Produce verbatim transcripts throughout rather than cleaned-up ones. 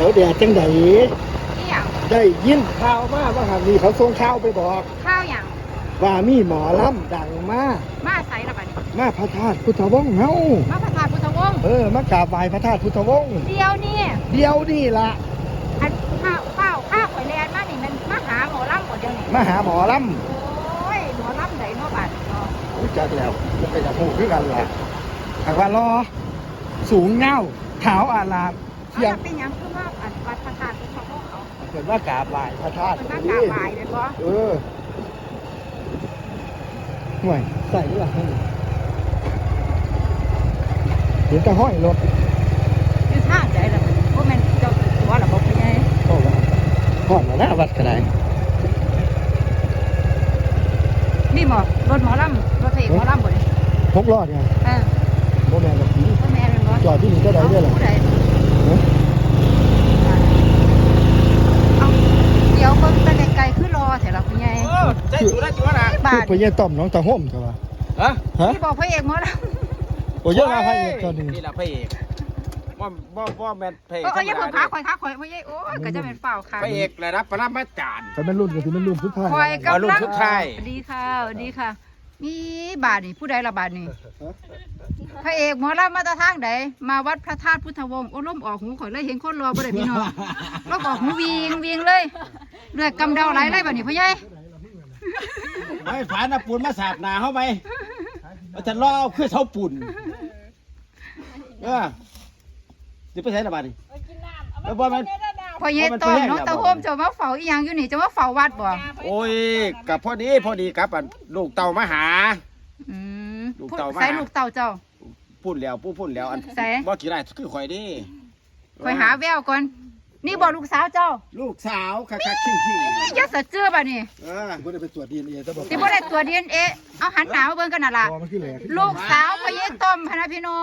แดดจังไดนี่อย่างได้ยินข่าวมาว่าหากมีเขาส่งข่าวไปบอกข้าวอย่างว่ามีหมอลำดังมามาใส่ละบัดนี้มาพระธาตุพุทธวงศ์เฮามาพระธาตุพุทธวงศ์เออมากราบไหว้พระธาตุพุทธวงศ์เดียวนี่เดียวนี่ล่ะอันข้าวข้าวข้าวข่อยแลนมานี่มันมาหาหมอลำหมดเดียวนี่มาหาหมอลโอ้ยหมอลำไหนเนาะบัดนี้เนาะำรู้จักแล้วมันก็จะพูดคือกันล่ะหากว่ารอสูงเงาขาวอาลามเอาเที่ยงจะเป็นหยังคือว่าอันวัดพระธาตุพุทธวงศ์เขาเกิดว่ากราบไหว้พระธาตุเป็นมากราบไหว้เลยบ่เออห่วยใส่ด้วยล่ะเห็นแตะห้อยรถอยู่ทางใดล่ะบัดนี้บ่แม่นเจ้าตัวล่ะบ่เป็นไงก็ว่าห้อยมาหน้าวัดก็ได้นี่หมอรถหมอลำรถเอกหมอลำบ่นี่พกรอดไงเออโมแมนแบบนี้บ่แม่นเป็นบ่จอดที่นี่ก็ได้ด้วยเหรอผู้ใดเอ้ยเอาเดี๋ยวเบิ่งแต่ไกลๆคือรอแถวละคุณยายเออใจสูได้จังวะนะบาคือทไปเยี่ยต้อมน้องตาห่มใช่ปะฮะฮะที่บอกพระเอกหมอลโอ้ยเยอะมากพระเอกตอนนี้นี่แหละพระเอกว่าว่าว่าแมนพระเอกำเอออย่าเพิ่งขาข่อยขาข่อยพ่อใหญ่โอ้ยก็จะเป็นเปล่าค่ะพระเอกระดับปรมาจารย์เขาเป็นรุ่นก็คือเป็นรุ่นสุดท้ายข่อยเอากำรุ่ลันงสุดท้ายดีค่ะดีค่ะ มีบาทนี่ผู้ใดละบาทนี่พระเอกหมอลำมาตะทางใดมาวัดพระธาตุพุทธวงศ์โอ้ล้มออกหูข่อยเลยเห็นคนรอบ่ได้พี่น้องล้มออกหูวิงวิงเลยเลือดกำเดาไหลเลยบาทนี่พ่อใหญ่ไม่ผ่านนะปูนมาสาดหนาเข้าไปมันจะล่อคือเสาปูนเออจะไปใช้ระบาดนี่แล้วว่ามันพ่อใหญ่ต้อมน้องตะโฮมจะมาเฝ้าอีหยังอยู่นี่จะมาเฝ้าวัดบ่โอ้ยกับพอดีพอดีกับอันลูกเต่ามาหาอืมลูกเต่ามาใส่ลูกเต่าเจ้าพูดแล้วพูดพูดแล้วอันใส่บ่กี่ไรคือข่อยดิคอยหาแววก่อน นี่บอกลูกสาวเจ้าลูกสาวคักคักขิงขิงอย่าสะเจือบ่นี่เออผมก็ได้ไปตรวจดีเอ็นเอแต่บอกสิบ่ได้ตัวจดีเอ็นเอเอาหันหนาวเบิ่งกันน่ะล่ะพอมันขึ้นแหลกลูกสาวพระเยซูต้มพะนะพี่น้อง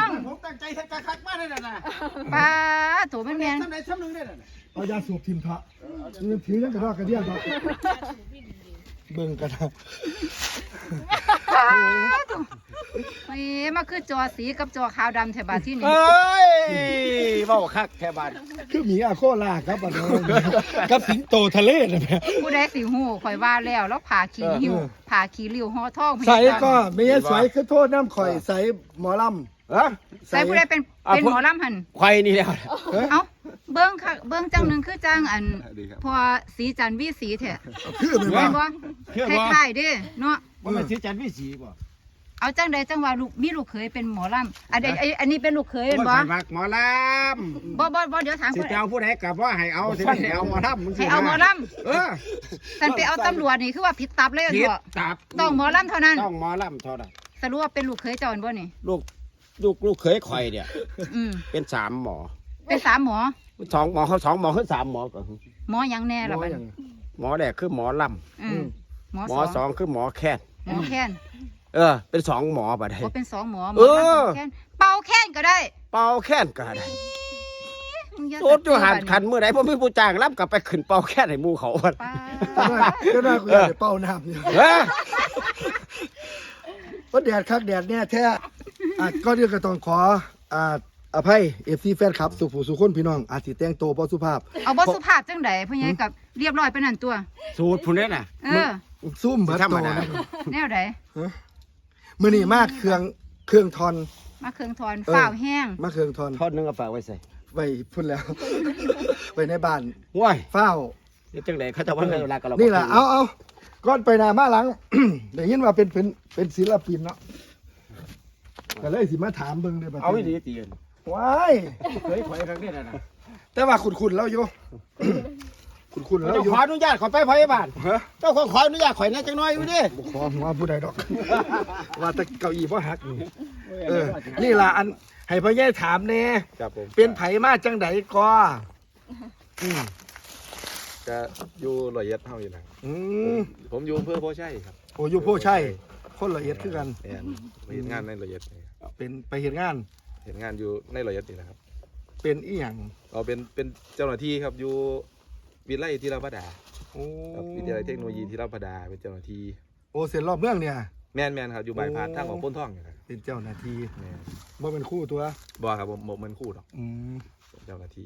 ผมตั้งใจทักคักมากเลยนะป้าโถแม่นทำไหนทำหนึ่งได้เลยเอายาสูบทิมทะนี่ถือยังกระรอกกระเดียดบอกเบิ่งกันนะๆป้าโถเฮ้ยมาคือจอสีกับจอขาวดำแถวบาดที่นี่เอ้ยเบาคักแค่บ้านคือหมีอาโคล่าครับอันนี้กับสิงโตทะเลนะแม่ผู้ใดสิฮู้ข่อยว่าแล้วแล้วผ่าขี้หิ้วผ่าขี้ริ้วห่อทองพะใส่เยซูก็ไม่ใช่ใส่คือโทษน้ำข่อยใส่หมอลฮะำใส่ผู้ใดเป็นเป็นหมอลำหั่นควายนี่แล้วเอ้าเบิ้งค่ะเบิ้งจังหนึ่งคือจังอันพอสีจันทร์วิสีแท้คือเป็นแม่ว่านบ่คล้ายๆเด้เนาะว่ามันสีจันทร์วิสีบ่เอาจังใดจังว่าลูกมีลูกเขยเป็นหมอลำอันใดอันอันนี้เป็นลูกเขยเป็นบ่มักหมอลบ่บ่บ่เดี๋ยวถามำสิผู้ใดเจ้าผู้ใดกับว่าให้เอาสิให้เอาหมอลำมึงสิให้เอาหมอลเออำสันไปเอาตำรวจนี่คือว่าผิดตับเลยผิดบ่ตับต้องหมอลำเท่านั้นต้องหมอลำเท่านั้นสรุปว่าเป็นลูกเขยเจ้าอันบ่นี่ลูกลูกลูกเคยข่อยเนี่ยอืมเป็นสามหมอเป็นสามหมอสองหมอเขาสองหมอเขาสามหมอก่อนหมอหยังแน่ล่ะบัดนี้หมอแรกคือหมอลอืมหมอำหมสอองสองคือหมอแค้นหมอแค้นเออ เป็นสองหมอบัดนี้ก็เป็นสองหมอหมเอออลำแค้นเป่าแค้นก็ได้เป่าแค้นก็ได้มึงอย่าโอ้ยหันสะเจือขันเมื่อไหร่พ่อมีผู้จ้างรับกลับไปขึ้นเป่าแค้นให้หมูเขาป้าก็น่าคุยเป้าน้ำเนี่ยเฮ้ยว่าแดดคักแดดเนี่ยแท้อ่ะก็เรียกก็ต้องขออ่าอภัยเอฟซีแฟนคลับสุผู้สุคนพี่น้องอาจสิแต่งตัวบ่สุภาพเอาบ่สุภาพจังไดพ่อใหญ่กับเรียบร้อยไปนั่นตัวสูตรผู้นี้น่ะเออซุ่มเบิดธรรโตมดานะแนวใดมื้อนี้มากเครื่องเครื่องทอนมาเครื่องทอนเออฝ้าวแห้งมาเครื่องทอนทอดนึงเอาฝากไว้ใส่ไว้พุ่นแล้ว ไว้ในบ้านว้ายเฝ้าเดี๋ยวจังไหนเขาจะว่าเวลากับเรานี่แหละเอาเอาก่อนไปหน้ามาหลัง ได้ยินว่าเป็นเป็นเป็นศิลปินเนาะก็เลยสิมาถามเบิ่งได้บัดเอาวิธีตีนว้ายเคยข่อยครั้งนี้นะแต่ว่าขุนๆแล้วอยู่ ขุนๆแล้วเจ้าอยู่ขออนุญาตขอไปพยาบาลฮะเจ้าขอขออนุญาตข่อยนะจังน้อยอยู่ดิบ่ขอหัวผู้ใดดอก ว่าแต่เก้าอี้บ่หักนี่เออ นี่ล่ะอันให้พ่อใหญ่ถามแน่ครับผมเป็นไผมาจังไดก็อืมจะอยู่ร้อยเอ็ดเท่าอยู่นะอืมผมอยู่อำเพื่อพ่อใช่ครับโอ้อยู่โพชัยคนละเอียดคือกันแอนไปเห็นงานในร้อยเอ็ดนี่ครับเป็นไปเฮ็ดงานเห็นงานอยู่ในร้อยเอ็ดนี่นะครับเป็นอีหยังเราเป็นเป็นเจ้าหน้าที่ครับอยู่วิทยาลัยที่ราพดาโอ้ครับวิทยาลัยเทคโนโลยีที่ราพดาเป็นเจ้าหน้าที่โอ้เส้นรอบเมืองเนี่ยแม่นแม่นครับอยู่บายพาสทางของพ้นท่องอยู่ครับเป็นเจ้าหน้าที่แม่นบ่เป็นครู่ตัวบอครับผมผมมันคู่หรอกอืมเป็นเจ้าหน้าที่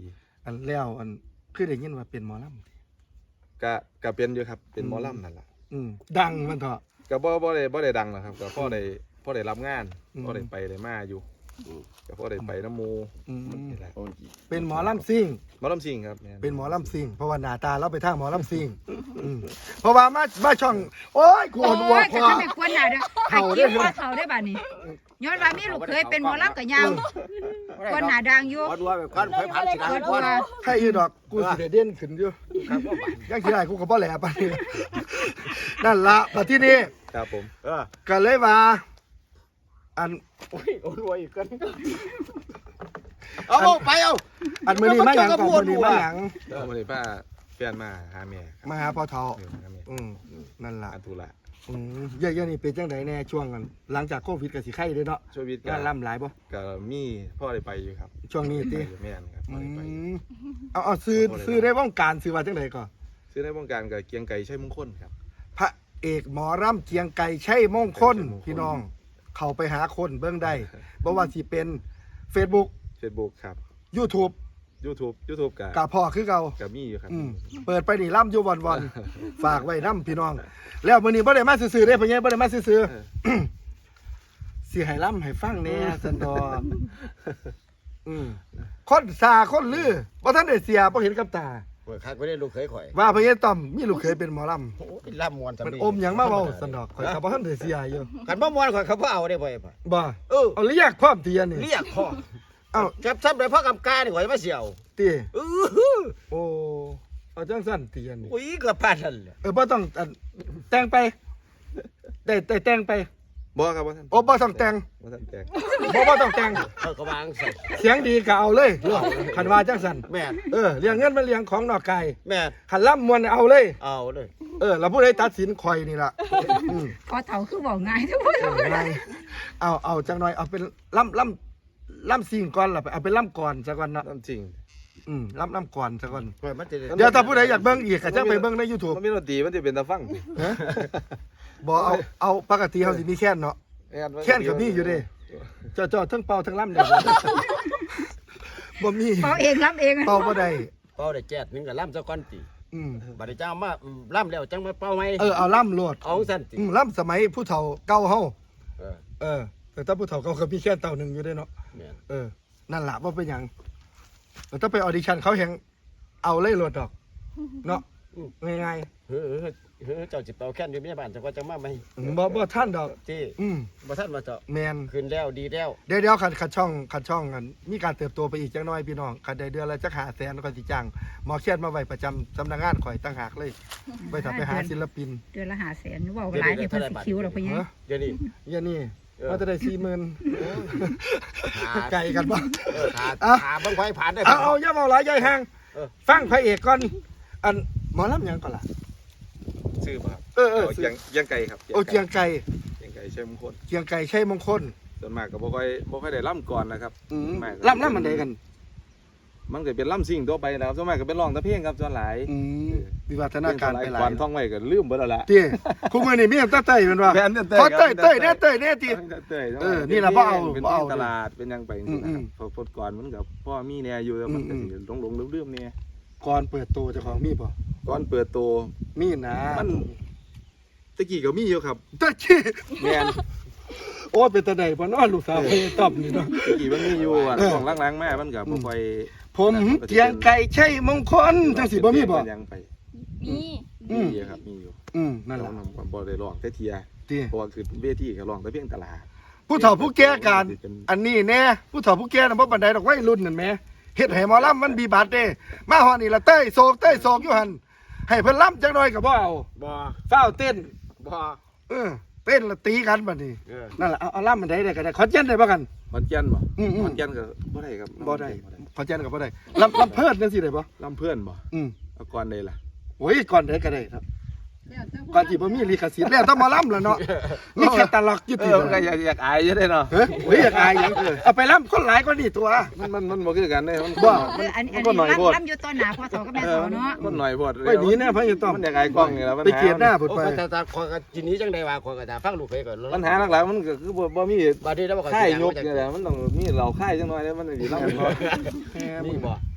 อันแล้วอันคือได้ยินว่าเป็นหมอลำก็ก็เป็นอยู่ครับเป็นหมอลำนั่นล่ะอืมดังมันเถอะก็บ่บ่ได้บ่ได้ดังหรอกครับก็พอได้พอได้รับงานอืมพอได้ไปได้มาอยู่ก็พอได้ไปน้ำหมูอืมนี่แหละเป็นหมอลำซิ่งหมอลำซิงครับแม่นเป็นหมอลำซิ่งเพราะว่าหน้าตาเราไปทางหมอลำซิ่งอืมเพราะว่ามามาช่อง โอ้ยขวโอ้ดวัวย พก็อจะไม่ควรหนาเด้อหักคิ้วว่าเขาได้บัดนี้ย้อนว่ามีลูกเคยเป็นหมอลำกับยาวควรหนาดังอยู่วัดวัวแบบก้อนไฟพันสิควรก้อนว่าถ้าอีดอกกูสิได้เด่นขึ้นอยู่ยังสิได้กูก็บ่แหลปานนี้นั่นละบัดที่นี้ครับผมเออก็เลยว่าอันโอ้ยโอ้ยอีกกันเอาเอาไปเอาอันมื้อนี้มาหยังก่อนมื้อนี้มาหยังแล้วมื้อนี้ป้าแฟนมาหาแม่ครับมาหาพ่อเฒ่าเออมาหาแม่อืมนั่นล่ะอันธุระอืมเยอะๆนี่เป็นจังไดแน่ช่วงนั้นหลังจากโควิดก็สิไข้เด้อเนาะช่วงวิทย์งานล่ำหลายบ่ก็มีพ่อได้ไปอยู่ครับช่วงนี้ติไปอยู่แม่นครับพ่อือได้ไปมเอาเอาซื้อซื้อได้ว่องการซื้อว่าจังไดก่อนซื้อในวงการกับเกียงไก่ใช่มงคลครับพระเอกหมอร่ำเจียงไก่ใช่มงคลใช่มงคลพี่น้อง เข้าไปหาคนเบิ่งได้บ่ว่าสิเป็น Facebook Facebook ครับ YouTube YouTube YouTube กับกับพ่อคือเก่ากับมีอยู่ครับอืมเปิดไปนี่ล่ำอยู่วันๆ ฝากไว้นํพี่น้อง แล้วมื้อนี้บ่ได้มาซื่อๆเด้พ่อใหญ่บ่ได้มาซื่อเออๆ สิให้ล่ำให้ฟังแหน่สันดอกอืมคนซาคนลือบ่ทันได้เสียบ่เห็นกับตาเปิดคักไม่ได้ลูกเคยข่อยว่าพ่อใหญ่ต้อมมีลูกเคยเป็นหมอลำโอ้ยล่ำมวนสำมันลีอมหยังมาเว้าสันดอกข่อยก็บ่ทันได้เสียอยู่กันบ่มวนข่อยเขาบ่เอาได้บ่ไอ้พ่อบ่เออเอาเรียกความเตียนนี่เรียกพ่อเอ้าจับซ้ำได้พ่อกำกานี่ข่อยมาเสี่ยวติเออหือโอ้เอาจังซั่นเตียนนี่อุ้ยเกือบพลาดนั่นแหละเออบ่ต้องอันแต่งไปได้ได้แต่งไปบ่ครับบ่ท่านโอ้บ่ต้องแต่งบ่ท่านแตกบ่บ่ต้องแต่งเขาก็วางใส่เสียงดีก็เอาเลยคันว่าจังซั่นแม่นเออเลี้ยงเงินมันเลี้ยงของนอกกายแม่นคันล่ำมวนเอาเลยเอาเลยเออแล้วผู้ใดตัดสินข่อยนี่ล่ะอืมพอเฒ่าคือบอกง่ายทุกคนเออไงเอาเอาจังหน่อยเอาเป็นล่ำล่ำล่ำซิ่งก่อนล่ะเอาเป็นล่ำก่อนซะก่อนเนาะน้ำจริงอืมล่ำล่ำก่อนซะก่อนข่อยมันจะได้เดี๋ยวถ้าผู้ใดอยากเบิ่งอีกก็จังไปเบิ่งใน YouTube มันมีดนตรีมันจะเป็นตาฟังฮะบ่เอาเอาปกติเฮาสิมีแค่นเนาะ แค่นก็มีอยู่เด้ เจ้าเจ้าทั้งเป่าทั้งล่ำเด้บ่ บ่มีเป่าเองรับเองเป่าบ่ได้เป่าได้แจ๊ดหนึงก็ล่ำซะก่อนติอืมบัดนี้เจ้ามาอืมล่ำแล้วจังมาเป่าไหมเออเอาล่ำโลดเอาสั่นติอืมล่ำสมัยผู้เฒ่าเก่าเฮาเออเออแต่ถ้าผู้เฒ่าเก่าก็มีแค่เต่าหนึงอยู่เด้เนาะแม่นเออนั่นล่ะบ่เป็นหยังแต่ถ้าไปออดิชั่นเขาแฮงเอาเลยโลดดอก เนาะง่ายเฮ้อเฮ้อเฮ้อเจ้าสิเป่าแค่นอยู่ในบ้านจังว่าจังมาไหมๆอืมบ่บ่ทันดอกที่อืมบ่ทันมาเจ้าแม่นขึ้นแล้วดีแล้วเดี๋ยวเดี๋ยวขัดขัดช่องขัดช่องกันมีการเติบโตไปอีกจังน้อยพี่น้องขัดได้เดือนละจักหาแสนก็สิจ้างหมอเขียนมาไว้ประจำสำนักงานข่อยตั้งหากเลยไปถ้าไปหาศิลปินเดือนละห้าแสนเว้าหลายให้เพิ่นสิคิวดอกเพิ่นยังเฮ้ยเดี๋ยวนี้อย่านี่เออว่าจะได้สี่หมื่นหาไก่กันบ่เออหาอ่ะหาเบิ่งไฟผ่านได้เอาเอาอย่าเมาหลายใหญ่ห่างเออฟังพระเอกก่อนอันหมอลำหยังก่อนล่ะชื่อบ่ครับเออเออเกียงเกียงไก่ครับโอเจียงไก่เกียงไก่ใช่มงคลเจียงไก่ใช่มงคลส่วนมากก็บ่ค่อยบ่ค่อยได้ล่ำก่อนนะครับอืมส่วนมากก็ล่ำล่ำมันใดกันมันก็เป็นล่ำซิ่งตัวไปนะครับส่วนมากก็เป็นร้องแตะเพลงครับส่วนหลายอืมวิวัฒนาการไปหลาก่อย นท่องไว้ก็ลืมเบิดแล้วล่ะเตี้ยคู่มือนี่มีแต่เต้ยเป็นว่าแม่นเต้ยขอเต้ยครับเต้ยแน่เต้ยแน่ตีเต้ยเออนี่ล่ะบ่เอาเป็นบ่เอาตลาดเป็นหยังไปจังซี่นะครับเพอพดก่อนมันก็พ่อมีแน่อยู่แล้วมันก็สิหลงๆลืมๆแน่ก่อนเปิดตัวเจ้าของมีป่ะก่อนเปิดตัวมีนะมันตะกี้ก็มีอยู่ครับตะกี้แม่นโอ้เป็นตะไดบ่เนอลูกสาวไปตอบนี่เนาะตะกี้มันมีอยู่อ่ะเออของล้างๆมามันก็บ่ค่อยผมเจียงไก่ใช่มงคลจังสิบ่มีบ่เป็นหยังไปมีอืมมีอยู่ครับมีอยู่อืมนั่นแต่ล่ะว่ามันบ่ได้ร้องแต่เทียติเพราะว่าคือเวทีก็ร้องแต่เพียงตลาดผู้เฒ่าผู้แก่กันอันนี้แน่ผู้เฒ่าผู้แก่น่ะบ่ปานใดดอกวัยรุ่นนั่นแหมเฮ็ดให้หมอลำมันบีบาดเด้มาฮอดนี่ละเต้ยโศกเต้ยโศกอยู่หั่นให้เพิ่นลำจักหน่อยก็บ่เอาบ่ฟ้าวเต้นบ่เออเต้นและตีกันบัดนี้เออนั่นล่ะเอาเอาลำมันได้ได้ก็ได้ขอนแก่นได้บ่กันขอนแก่นบ่อืมๆขอนแก่นก็บ่ได้ครับบ่ได้ขอนแก่นก็บ่ได้ลำลำเพิ่นจังซี่ได้บ่ลำเพื่อนบ่อืมเอาก่อนได้ล่ะโอ้ยก่อนได้ก็ได้ครับก่อนที่บ่มีลิขสิทธิ์แล้วต้องมาล่ำแล้วเนาะมีแค่ตลกอยู่เอติอมันก็อยากอยากอายอยู่ได้เนาะเฮ้ยโอ้ยอยากอายหยังเออเอาไปล่ำคนหลายกว่านี่ตัวมันมันมันบ่คือกันเด้มันบ่เอออันมัอันนก็นี้หน่อยโพดล่ำอยู่ต้นหนาพ่อเฒ่ากับแม่เออเฒ่าเนาะมันหน่อยโพดไปหนีแน่พะยายต้อมมันอยากอายกล้องนี่แหละปัญไปหาเกลียดหน้าพุ่นโอ้ไปก็แต่แต่ขอยก็ทีนี้จังได๋ว่าขอยก็จะฟังลูกเคยก่อนปัญหาหลักๆมันก็คือบ่บ่มีบัดนี้แล้วบ่ขอยค่ายสิยกนี่แหละมันต้องมีเหล่าค่ายจังหน่อยแล้วมันสิเล่าเนาะมีบ่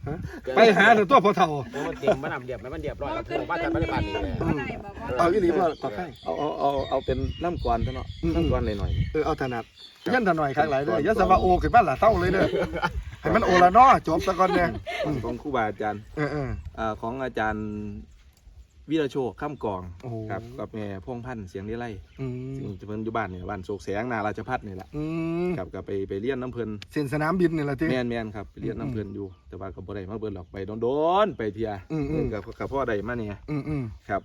ไปหาแต่ตัวพ่อเฒ่ามันเต็มมันนำเรียบมันเรียบร้อยแล้วพูดว่าแต่ปัจจุบันนี้เอาอีหลีบ่ก็ใครเอาเอาเอาเอาเป็นล่ำกวนซะเนาะล่ำกวนหน่อยเออเอาถนัดยันถหน่อยข้างหลายเด้ออย่าสว่าโอขึ้นมาล่ะเศร้าเลยเด้อให้มันโอละเนาะจบซะก่อนเนี่ยๆของครูบาอาจารย์เออเอออ่าของอาจารย์วิรโชคข้ามกองโอ้โหครับกับแม่พงพันธ์เสียงได้ไล่อืมซึ่งเพิ่นอยู่บ้านเนี่ยบ้านโศกแสงนาราชพัฒน์นี่แหละอืมครับก็ไปไปเรียนน้ำเพิ่นเส้นสนามบินนี่แหละที่แม่นแม่นครับไปเรียนน้ำเพิ่นอยู่ แต่ว่าก็บ่ได้มาเบิ่นหรอกไปโดนๆไปเที่ยอืมอืมกับกับพ่อได้มาเนี่ยอืมอืมครับ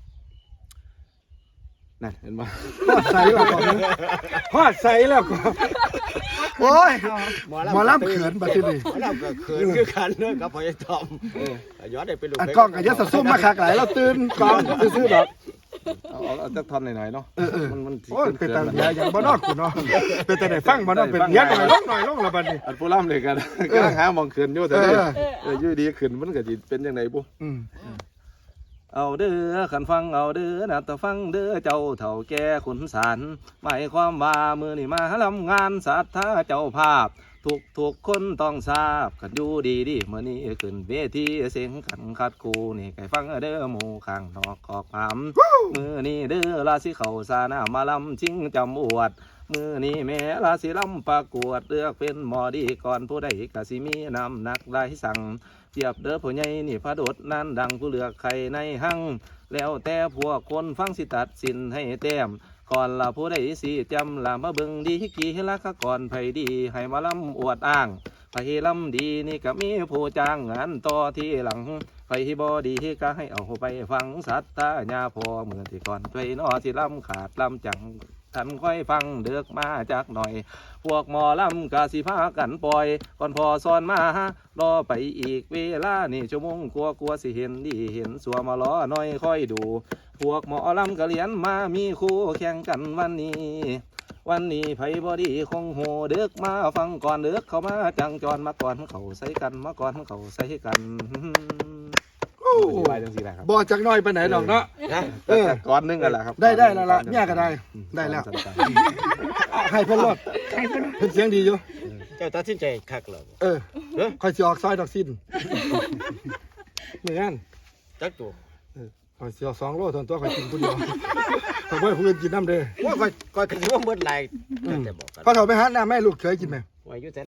นั่นเห็นบ่ฮอดใส่แล้วก่อนฮอดใส่แล้วก่อนโอ้ยหมอลำเขินบัดนี้หมอลำก็เขินคือกันเด้อกับพ่อไอ้ทอมย้อนได้เป็นลูกอันกล้องก็อย่าสะซุ่มมาคักหลายเราตื่นกล้องซื่อๆดอกเอาเอาเอาจักท่อนหน่อยๆเนาะเออเออมันมันสิโอ้ยขิเป็นตาๆเสียอย่างบ่นอกกูเนาะเป็นแต่ได้ฟังบ่นอกเป็นเลี้ยงหน่อยลงหน่อยลงละบัดนี้อันผู้ล่ำเลยกันกำลังหาหมองขึ้นอยู่แต่เอเด้อเอออยู่ดีขึ้นมันก็สิเป็นจังไดบุอืมเอาเด้อขันฟังเอาเด้อนะแต่ฟังเด้อเจ้าเฒ่าแก่ขุนศาลหมายความว่ามือนี่มาลำงานศรัทธาเจ้าภาพ ทุกทุกคนต้องทราบกันอยู่ดีดีเมื่อนี้ขึ้นเวทีเสียงขันคัดคูนี่ไก่ฟังเด้อหมู่ข้างนอกขอกผามมือนี้เด้อราศีเขาสานามาลำชิงจำอวด มือนี้แม่ราศีลำประกวดเลือกเป็นหมอดีก่อนผู้ใดกสิมีนำหนักได้สั่งเทียบเด้อผู้ใหญ่นี่พระโดดนั้นดังผู้เลือกใครในหังแล้วแต่พวกคนฟังสิตัดสินให้แต้มก่อนละผู้ใดสิจำละมาเบิ่งดีกี่ละกะก่อนไผดีให้มาลำอวดอ้างไผลำดีนี่ก็มีผู้จ้างงานต่อที่หลังไผบอดีก็ให้เอาไปฟังสัตตาญาพอเมื่อที่ก่อนไปนอสิลำขาดลำจังท่านค่อยฟังเดือกมาจากหน่อย พวกหมอลำกาสิพากันปล่อย ก่อนพอสอนมารอไปอีกเวลานี่ชั่วโมงกลัวกลัวสิเห็นดีเห็นสัวมารอหน่อยค่อยดู พวกหมอลำกะเลียนมามีคู่แข่งกันวันนี้ วันนี้ไผบอดีคงโหเดือกมาฟังก่อนเดือกเข้ามาจังจรมาก่อนเขาใส่กันมาก่อนเขาใส่กันโอ้ไปจังสิแหละครับบ่จักหน้อยไปไหนดอกเนาะนะเออแต่ก่อนนึงกันแหละครับได้ได้แล้วล่ะเนี่ยก็ได้ได้แล้ว เอาให้เพิ่นรอดให้เพิ่นเพิ่นเสียงดีอยู่เจ้าตัดสินใจคักเหรอเออค่อยสิออกซอยดอกสิ้นเหมือนกันจักตัวข่อยสิเอาสองโลเท่านั้นตัวข่อยกินผู้เดียวข่อยบ่ให้ผู้อื่นกินน้ำเด้อว่าก่อยก่อยกันว่าเบิดหลายแต่บอกกันพอเฒ่าไปหาน้าแม่ลูกเคยกินไหมว่าอยู่แต่